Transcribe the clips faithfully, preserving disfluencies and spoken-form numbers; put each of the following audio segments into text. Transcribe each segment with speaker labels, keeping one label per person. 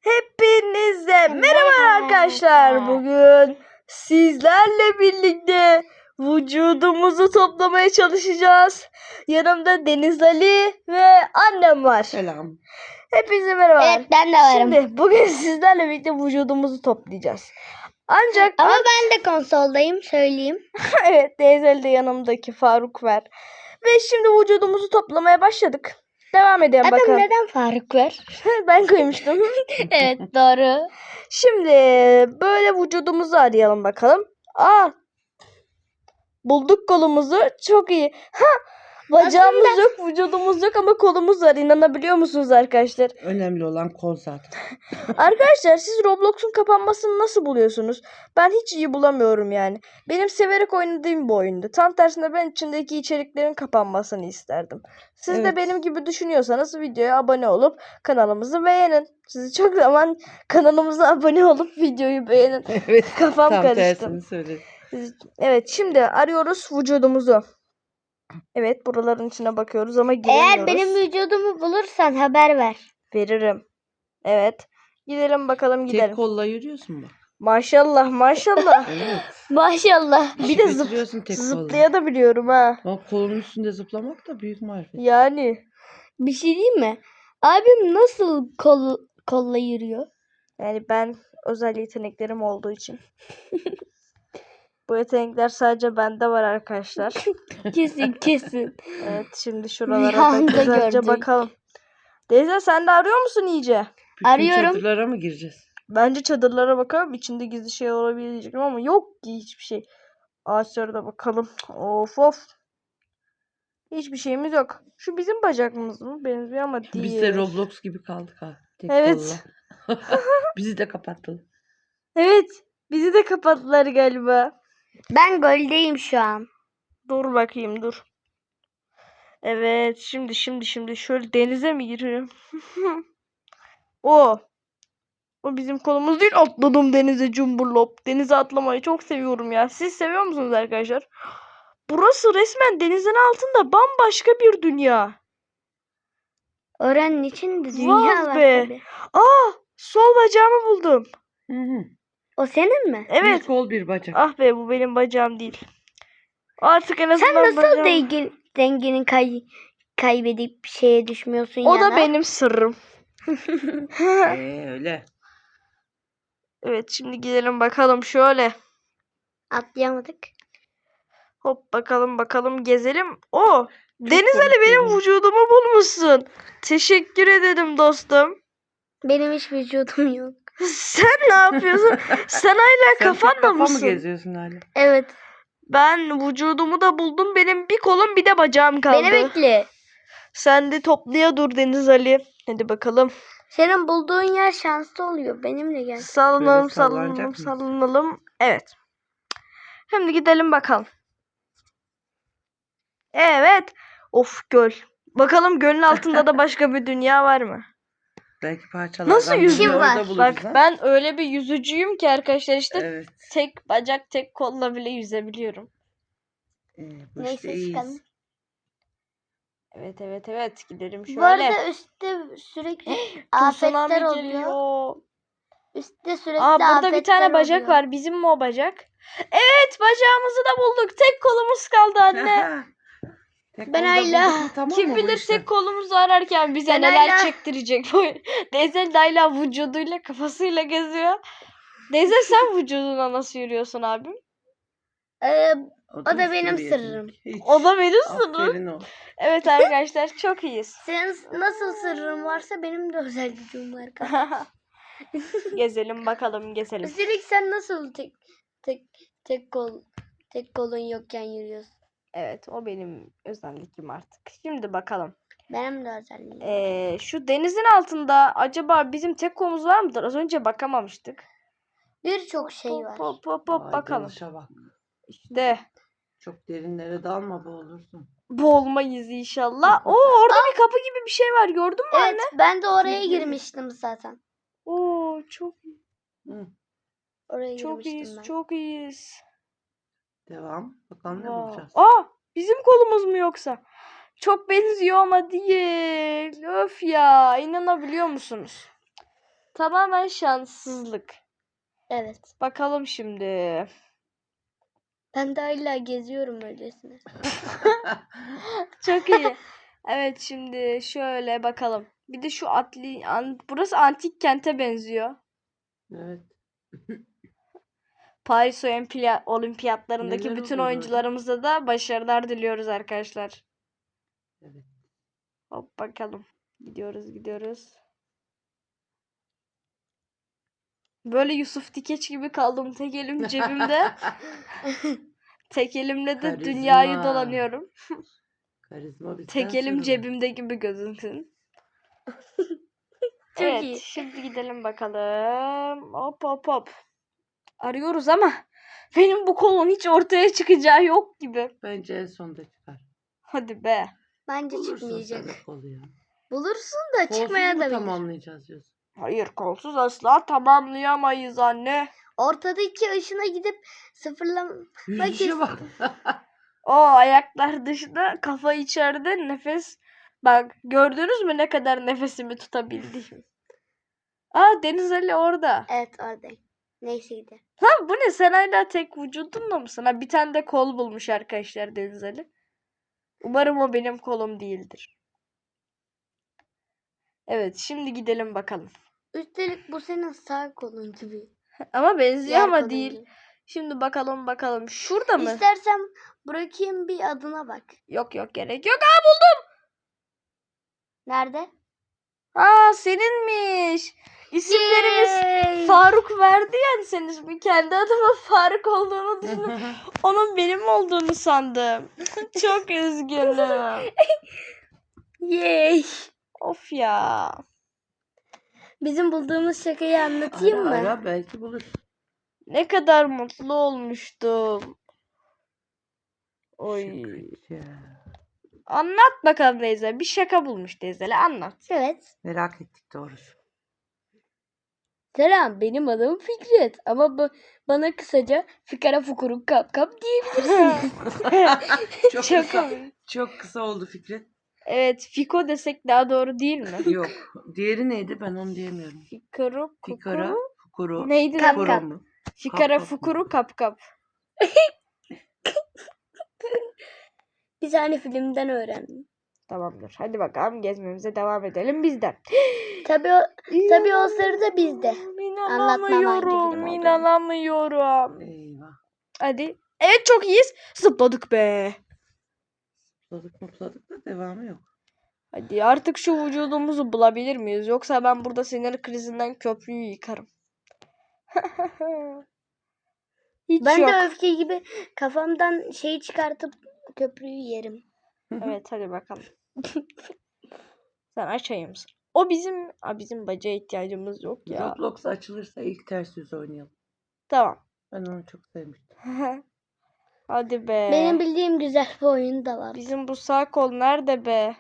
Speaker 1: Hepinize merhaba arkadaşlar. Bugün sizlerle birlikte vücudumuzu toplamaya çalışacağız. Yanımda Deniz Ali ve annem var.
Speaker 2: Selam.
Speaker 1: Hepinize merhaba.
Speaker 3: Evet, ben de varım.
Speaker 1: Şimdi bugün sizlerle birlikte vücudumuzu toplayacağız. Ancak
Speaker 3: Ama ben de konsoldayım, söyleyeyim.
Speaker 1: evet, Deniz Ali de yanımdaki Faruk var. Ve şimdi vücudumuzu toplamaya başladık. Devam edelim
Speaker 3: Adam
Speaker 1: bakalım.
Speaker 3: neden Faruk var?
Speaker 1: Ben koymuştum.
Speaker 3: Evet, doğru.
Speaker 1: Şimdi böyle vücudumuzu arayalım bakalım. Aa, bulduk kolumuzu. Çok iyi. Ha, bacağımız
Speaker 3: Aslında...
Speaker 1: yok, vücudumuz yok ama kolumuz var. İnanabiliyor musunuz arkadaşlar?
Speaker 2: Önemli olan kol zaten.
Speaker 1: Arkadaşlar siz Roblox'un kapanmasını nasıl buluyorsunuz? Ben hiç iyi bulamıyorum yani. Benim severek oynadığım bir oyundu. Tam tersine ben içindeki içeriklerin kapanmasını isterdim. Siz
Speaker 2: Evet.
Speaker 1: de benim gibi düşünüyorsanız videoya abone olup kanalımızı beğenin. Sizi çok zaman kanalımıza abone olup videoyu beğenin.
Speaker 2: Evet.
Speaker 1: Kafam
Speaker 2: Tam
Speaker 1: karıştı.
Speaker 2: tersini söyle.
Speaker 1: Evet, şimdi arıyoruz vücudumuzu. Evet, buraların içine bakıyoruz ama giremiyoruz.
Speaker 3: Eğer benim vücudumu bulursan haber ver.
Speaker 1: Veririm. Evet. Gidelim bakalım gidelim.
Speaker 2: Tek kolla yürüyorsun bak.
Speaker 1: Maşallah maşallah.
Speaker 2: Evet.
Speaker 3: Maşallah.
Speaker 1: Bir de zıp,
Speaker 2: Götürüyorsun tek kolla.
Speaker 1: zıplayabiliyorum ha.
Speaker 2: Bak kolun üstünde zıplamak da büyük marifet.
Speaker 1: Yani.
Speaker 3: Bir şey diyeyim mi? Abim nasıl kol, kolla yürüyor?
Speaker 1: Yani ben özel yeteneklerim olduğu için. Bu yetenekler sadece bende var arkadaşlar.
Speaker 3: Kesin kesin.
Speaker 1: Evet, şimdi şuralara da
Speaker 3: Rüyamda
Speaker 1: güzelce
Speaker 3: gördük.
Speaker 1: bakalım. Teyze, sen de arıyor musun iyice?
Speaker 2: Bütün
Speaker 3: Arıyorum.
Speaker 2: çadırlara mı gireceğiz?
Speaker 1: Bence çadırlara bakalım. İçinde gizli şey olabilir diyecektim ama yok ki hiçbir şey. Ağaçlara da bakalım. Of of. Hiçbir şeyimiz yok. Şu bizim bacağımız mı? Benziyor ama değil.
Speaker 2: Biz de Roblox gibi kaldık ha. Tek
Speaker 1: Evet.
Speaker 2: kolla. Bizi de kapattılar.
Speaker 1: Evet. Bizi de kapattılar galiba.
Speaker 3: Ben goldeyim şu an.
Speaker 1: Dur bakayım, dur. Evet. Şimdi şimdi şimdi şöyle denize mi giriyorum? O. O bizim kolumuz değil. Atladım denize cumburlop. Denize atlamayı çok seviyorum ya. Siz seviyor musunuz arkadaşlar? Burası resmen denizin altında bambaşka bir dünya.
Speaker 3: Oranın içinde dünya
Speaker 1: Vay
Speaker 3: var
Speaker 1: be.
Speaker 3: tabii.
Speaker 1: Aa, sol bacağımı buldum.
Speaker 2: Hı hı.
Speaker 3: O senin mi?
Speaker 1: Evet.
Speaker 2: Bir kol bir bacak.
Speaker 1: Ah be, bu benim bacağım değil. Artık en azından
Speaker 3: Sen nasıl
Speaker 1: bacağım...
Speaker 3: denge, dengeni kay, kaybedip bir şeye düşmüyorsun
Speaker 1: O
Speaker 3: ya
Speaker 1: da benim sırrım.
Speaker 2: Ee, öyle.
Speaker 1: Evet, şimdi gidelim bakalım şöyle.
Speaker 3: Atlayamadık.
Speaker 1: Hop, bakalım bakalım gezelim. O, Deniz
Speaker 2: komik
Speaker 1: Ali, benim
Speaker 2: geliyor.
Speaker 1: vücudumu bulmuşsun. Teşekkür ederim dostum.
Speaker 3: Benim hiç vücudum yok.
Speaker 1: Sen ne yapıyorsun? Sen hala
Speaker 2: Sen tek
Speaker 1: kafanla
Speaker 2: kafa mı
Speaker 1: mısın?
Speaker 2: geziyorsun hala?
Speaker 3: Evet.
Speaker 1: Ben vücudumu da buldum. Benim bir kolum bir de bacağım kaldı.
Speaker 3: Beni bekle.
Speaker 1: Sen de toplaya dur Deniz Ali. Hadi bakalım.
Speaker 3: Senin bulduğun yer şanslı oluyor. Benimle gel.
Speaker 1: Sallanalım
Speaker 2: Böyle sallanacak
Speaker 1: sallanalım
Speaker 2: mıyız?
Speaker 1: sallanalım. Evet. Şimdi gidelim bakalım. Evet. Of, göl. Bakalım gölün altında da başka bir dünya var mı?
Speaker 2: Belki parçalardan
Speaker 1: Nasıl
Speaker 2: birini
Speaker 1: yüzüyor?
Speaker 2: orada
Speaker 3: var?
Speaker 2: buluruz,
Speaker 1: Bak,
Speaker 2: ha?
Speaker 1: ben öyle bir yüzücüyüm ki arkadaşlar, işte
Speaker 2: Evet.
Speaker 1: tek bacak tek kolla bile yüzebiliyorum.
Speaker 2: Ee, bu
Speaker 3: Neyse,
Speaker 2: işte iyiyiz.
Speaker 3: çıkalım.
Speaker 1: Evet evet evet, gidelim şöyle.
Speaker 3: Bu arada üstte sürekli afetler
Speaker 1: Tsunami
Speaker 3: oluyor.
Speaker 1: geliyor.
Speaker 3: Üstte sürekli
Speaker 1: Aa, burada
Speaker 3: afetler
Speaker 1: bir tane bacak
Speaker 3: oluyor.
Speaker 1: var. Bizim mi o bacak? Evet, bacağımızı da bulduk. Tek kolumuz kaldı anne.
Speaker 2: Tek
Speaker 3: Ben
Speaker 2: kolda
Speaker 3: hala-
Speaker 2: bulduk mu, tamam
Speaker 1: Kim
Speaker 2: mı bu
Speaker 1: bilir
Speaker 2: işler?
Speaker 1: tek kolumuzu ararken bize
Speaker 3: Ben
Speaker 1: neler
Speaker 3: hala-
Speaker 1: çektirecek. Denzel de hala vücuduyla kafasıyla geziyor. Denzel, sen vücuduna nasıl yürüyorsun abim?
Speaker 3: Ee,
Speaker 2: O
Speaker 3: da benim
Speaker 2: üstün bir
Speaker 3: sırrım.
Speaker 2: yetenek. Hiç.
Speaker 1: O da benim sırrım.
Speaker 2: Aferin o.
Speaker 1: Evet arkadaşlar, çok iyiyiz.
Speaker 3: senin nasıl sırrın varsa benim de özel gücüm var.
Speaker 1: Gezelim bakalım, gezelim.
Speaker 3: Üstelik sen nasıl tek tek tek kol tek kolun yokken yürüyorsun?
Speaker 1: Evet, o benim özelliğim artık. Şimdi bakalım.
Speaker 3: Benim de özelliğim.
Speaker 1: Ee, şu denizin altında acaba bizim tek kolumuz var mıdır? Az önce bakamamıştık.
Speaker 3: Birçok şey
Speaker 1: Hop
Speaker 3: var.
Speaker 1: hop hop hop
Speaker 2: Vay,
Speaker 1: bakalım.
Speaker 2: dalışa bak.
Speaker 1: İşte
Speaker 2: Çok derinlere dalma, boğulursun.
Speaker 1: boğulmayız inşallah. Oo, orada bir kapı gibi bir şey var, gördün mü
Speaker 3: Evet,
Speaker 1: anne?
Speaker 3: ben de oraya girmiştim zaten.
Speaker 1: Oo, çok
Speaker 2: Hı.
Speaker 3: Oraya
Speaker 1: çok
Speaker 3: girmiştim
Speaker 1: iyiyiz,
Speaker 3: ben.
Speaker 1: çok iyiyiz.
Speaker 2: Devam. Bakalım ne
Speaker 1: Wow.
Speaker 2: bulacağız.
Speaker 1: Aa, bizim kolumuz mu yoksa? Çok benziyor ama değil. Öf ya, inanabiliyor musunuz? Tamamen şanssızlık.
Speaker 3: Evet.
Speaker 1: Bakalım şimdi.
Speaker 3: Ben de hala geziyorum öylesine.
Speaker 1: Çok iyi. Evet şimdi şöyle bakalım. Bir de şu atli an, burası antik kente benziyor.
Speaker 2: Evet.
Speaker 1: Paris Olimpiya- Olimpiyatlarındaki
Speaker 2: Neler
Speaker 1: bütün
Speaker 2: oluyor orada?
Speaker 1: oyuncularımıza da başarılar diliyoruz arkadaşlar.
Speaker 2: Evet.
Speaker 1: Hop bakalım. Gidiyoruz gidiyoruz. Böyle Yusuf Dikeç gibi kaldım tek elim cebimde. Tek elimle de dünyayı
Speaker 2: Karizma.
Speaker 1: dolanıyorum.
Speaker 2: Karizma bizden
Speaker 1: Tek elim
Speaker 2: sorulur.
Speaker 1: cebimde gibi gözüksün.
Speaker 3: Çok
Speaker 1: Evet,
Speaker 3: iyi.
Speaker 1: şimdi gidelim bakalım. Hop hop hop. Arıyoruz ama benim bu kolun hiç ortaya çıkacağı yok gibi.
Speaker 2: Bence en sonda çıkar.
Speaker 1: Hadi be.
Speaker 3: Bence
Speaker 2: Bulursun
Speaker 3: çıkmayacak.
Speaker 2: sen de kolu ya.
Speaker 3: Bulursun da
Speaker 2: Kolsuz
Speaker 3: çıkmaya
Speaker 2: mu
Speaker 3: da bilir.
Speaker 2: tamamlayacağız diyorsun?
Speaker 1: Hayır, kolsuz asla tamamlayamayız anne.
Speaker 3: Ortadaki ışına gidip sıfırlama.
Speaker 2: Yürüyüşe bak.
Speaker 1: O ayaklar dışında, kafa içeride, nefes. Bak gördünüz mü ne kadar nefesimi tutabildiğimi? Aa, Deniz Ali orada.
Speaker 3: Evet oradayım. Neyse gidelim.
Speaker 1: Lan bu ne, sen hala tek vücudunla mısın? Ha, bir tane de kol bulmuş arkadaşlar Deniz Ali. Umarım o benim kolum değildir. Evet, şimdi gidelim bakalım.
Speaker 3: Üstelik bu senin sağ kolun gibi.
Speaker 1: Ama benziyor
Speaker 3: Diğer
Speaker 1: ama
Speaker 3: kolun
Speaker 1: değil.
Speaker 3: gibi.
Speaker 1: Şimdi bakalım bakalım. Şurada mı?
Speaker 3: İstersen bırakayım bir adına bak.
Speaker 1: Yok yok, gerek yok. Aa, buldum.
Speaker 3: Nerede?
Speaker 1: Aa, seninmiş. İsimlerimiz
Speaker 3: Yay!
Speaker 1: Faruk verdi yani, senin ismi. Kendi adıma Faruk olduğunu düşündüm. Onun benim olduğunu sandım. Çok üzgünüm.
Speaker 3: Yay!
Speaker 1: Of ya.
Speaker 3: Bizim bulduğumuz şakayı anlatayım
Speaker 2: Ara
Speaker 3: mı?
Speaker 2: ara belki bulur.
Speaker 1: Ne kadar mutlu olmuştum. Oy.
Speaker 2: Ya.
Speaker 1: Anlat bakalım Deyze. Bir şaka bulmuş Deyze'le, anlat.
Speaker 3: Evet.
Speaker 2: Merak ettik doğrusu.
Speaker 3: Selam, benim adım Fikret ama bu, bana kısaca Fikara Fukuruk Kap Kap diyebilirsiniz.
Speaker 2: Çok,
Speaker 1: Çok
Speaker 2: kısa,
Speaker 1: komik.
Speaker 2: çok kısa oldu Fikret.
Speaker 1: Evet, Fiko desek daha doğru değil mi?
Speaker 2: Yok. Diğeri neydi? Ben onu diyemiyorum.
Speaker 1: Fikara
Speaker 2: Fikara,
Speaker 1: Fukuru.
Speaker 2: Fukuru.
Speaker 1: Neydi
Speaker 3: Kap
Speaker 1: lan?
Speaker 2: Fukuru
Speaker 3: kap.
Speaker 2: mu?
Speaker 1: Fikara
Speaker 2: Kap kap
Speaker 1: Fukuru
Speaker 2: mı?
Speaker 1: Kap Kap.
Speaker 3: Bir tane filmden öğrendim.
Speaker 1: Tamamdır. Hadi bakalım gezmemize devam edelim bizden.
Speaker 3: Tabii o, tabii o sırada bizde. Anlatmam hangi
Speaker 1: İnanamıyorum.
Speaker 3: film olduğunu.
Speaker 1: İnanamıyorum.
Speaker 2: Eyvah.
Speaker 1: Hadi. Evet, çok iyiyiz. Zıpladık be.
Speaker 2: Mutladık mutladık da devamı yok.
Speaker 1: Hadi artık şu vücudumuzu bulabilir miyiz? Yoksa ben burada sinir krizinden köprüyü yıkarım. Hiç
Speaker 3: Ben
Speaker 1: yok.
Speaker 3: de öfke gibi kafamdan şey çıkartıp köprüyü yerim.
Speaker 1: Evet, hadi bakalım. Sen açayım mısın? O bizim, a, bizim bacağa ihtiyacımız yok ya.
Speaker 2: Roblox açılırsa ilk ters yüz oynayalım.
Speaker 1: Tamam.
Speaker 2: Ben onu çok sevmiştim.
Speaker 1: Hadi be.
Speaker 3: Benim bildiğim güzel bir oyun da var.
Speaker 1: Bizim bu sağ kol nerede be?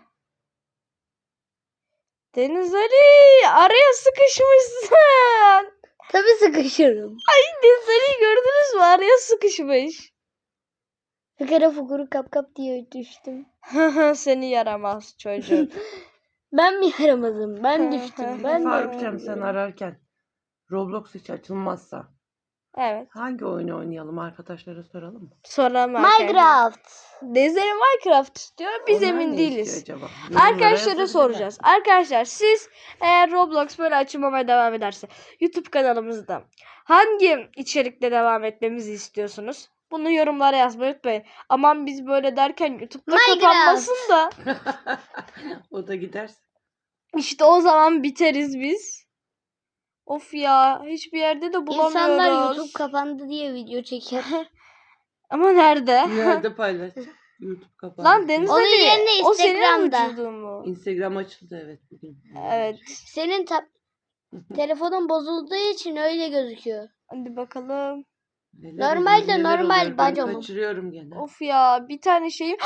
Speaker 1: Deniz Ali, araya sıkışmışsın.
Speaker 3: Tabii sıkışırım.
Speaker 1: Deniz Ali'yi gördünüz mü? Araya sıkışmış.
Speaker 3: Fikara Fukuru Kap Kap diye düştüm.
Speaker 1: Seni yaramaz çocuk.
Speaker 3: Ben mi yaramazım? Ben düştüm. Ben de.
Speaker 2: Faruk'cığım sen ararken Roblox hiç açılmazsa
Speaker 1: Evet.
Speaker 2: hangi oyunu oynayalım, arkadaşlara soralım mı?
Speaker 1: Soralım.
Speaker 3: Minecraft.
Speaker 1: Deniz Ali Minecraft istiyor. Biz
Speaker 2: Onlar
Speaker 1: emin
Speaker 2: ne
Speaker 1: değiliz.
Speaker 2: istiyor acaba? Yorumlara
Speaker 1: Arkadaşlara
Speaker 2: yazabilirler.
Speaker 1: soracağız. Arkadaşlar siz eğer Roblox böyle açılmamaya devam ederse YouTube kanalımızda hangi içerikle devam etmemizi istiyorsunuz? Bunu yorumlara yazmayı unutmayın. Aman biz böyle derken YouTube'da
Speaker 3: Minecraft.
Speaker 1: kapanmasın da
Speaker 2: O da giderse.
Speaker 1: işte o zaman biteriz biz. Of ya, hiçbir yerde de bulamıyoruz.
Speaker 3: İnsanlar YouTube kapandı diye video çeker.
Speaker 1: Ama nerede?
Speaker 2: Nerede paylaşacağım? YouTube kapandı.
Speaker 1: Lan Deniz
Speaker 3: Onun
Speaker 1: Ali,
Speaker 3: yerine
Speaker 1: o senin
Speaker 3: Instagram'da.
Speaker 1: vücudun mu?
Speaker 2: Instagram açıldı evet bugün.
Speaker 1: Evet.
Speaker 3: Senin ta- telefonun bozulduğu için öyle gözüküyor.
Speaker 1: Hadi bakalım.
Speaker 2: Neler
Speaker 3: Normalde
Speaker 2: oluyor, neler
Speaker 3: normal
Speaker 2: oluyor? Ben
Speaker 3: bacamım.
Speaker 2: kaçırıyorum gene.
Speaker 1: Of ya, bir tane şeyim.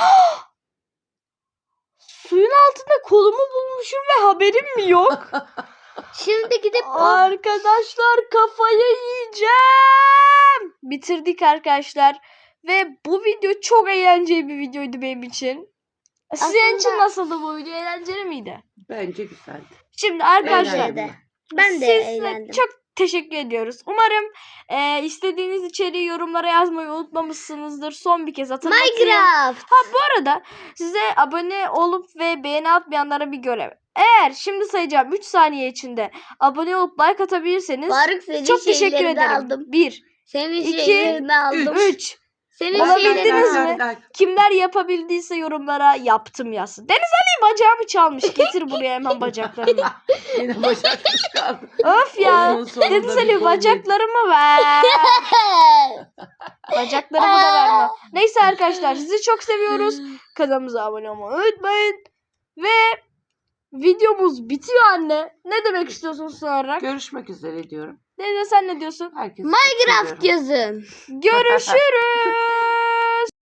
Speaker 1: Suyun altında kolumu bulmuşum ve haberim mi yok?
Speaker 3: Şimdi gidip o
Speaker 1: Arkadaşlar, kafayı yiyeceğim. Bitirdik arkadaşlar. Ve bu video çok eğlenceli bir videoydu benim için. Sizin için
Speaker 3: Aslında-
Speaker 1: nasıldı bu video? Eğlenceli miydi?
Speaker 2: Bence güzeldi.
Speaker 1: Şimdi arkadaşlar,
Speaker 3: Bence de. Ben de
Speaker 1: Sizle
Speaker 3: eğlendim.
Speaker 1: çok teşekkür ediyoruz. Umarım e, istediğiniz içeriği yorumlara yazmayı unutmamışsınızdır. Son bir kez hatırlatayım.
Speaker 3: Minecraft.
Speaker 1: Ha bu arada size abone olup ve beğeni atmayanlara bir görev. Eğer şimdi sayacağım üç saniye içinde abone olup like atabilirseniz
Speaker 3: Faruk senin
Speaker 1: çok teşekkür
Speaker 3: şeylerini
Speaker 1: ederim.
Speaker 3: aldım.
Speaker 1: bir,
Speaker 3: Senin
Speaker 1: İki,
Speaker 3: şeylerini aldım.
Speaker 1: üç.
Speaker 3: Senin
Speaker 1: Olabildiniz
Speaker 3: şeylerini
Speaker 1: mi?
Speaker 3: aldım.
Speaker 1: Kimler yapabildiyse yorumlara yaptım yazsın. Deniz Ali bacağımı çalmış. Getir buraya hemen bacaklarını.
Speaker 2: Yine bacakları kaldı.
Speaker 1: Of ya.
Speaker 2: Oyunun sonunda
Speaker 1: Deniz
Speaker 2: bir
Speaker 1: Ali
Speaker 2: gol
Speaker 1: bacaklarımı ver. Bacaklarımı da verme. Neyse arkadaşlar sizi çok seviyoruz. Kanalımıza abone olmayı unutmayın. Ve videomuz bitiyor anne. Ne demek istiyorsun son olarak?
Speaker 2: Görüşmek üzere diyorum.
Speaker 1: Deniz sen ne diyorsun?
Speaker 2: Herkese çok
Speaker 3: Minecraft
Speaker 2: seviyorum.
Speaker 3: yazın.
Speaker 1: Görüşürüz.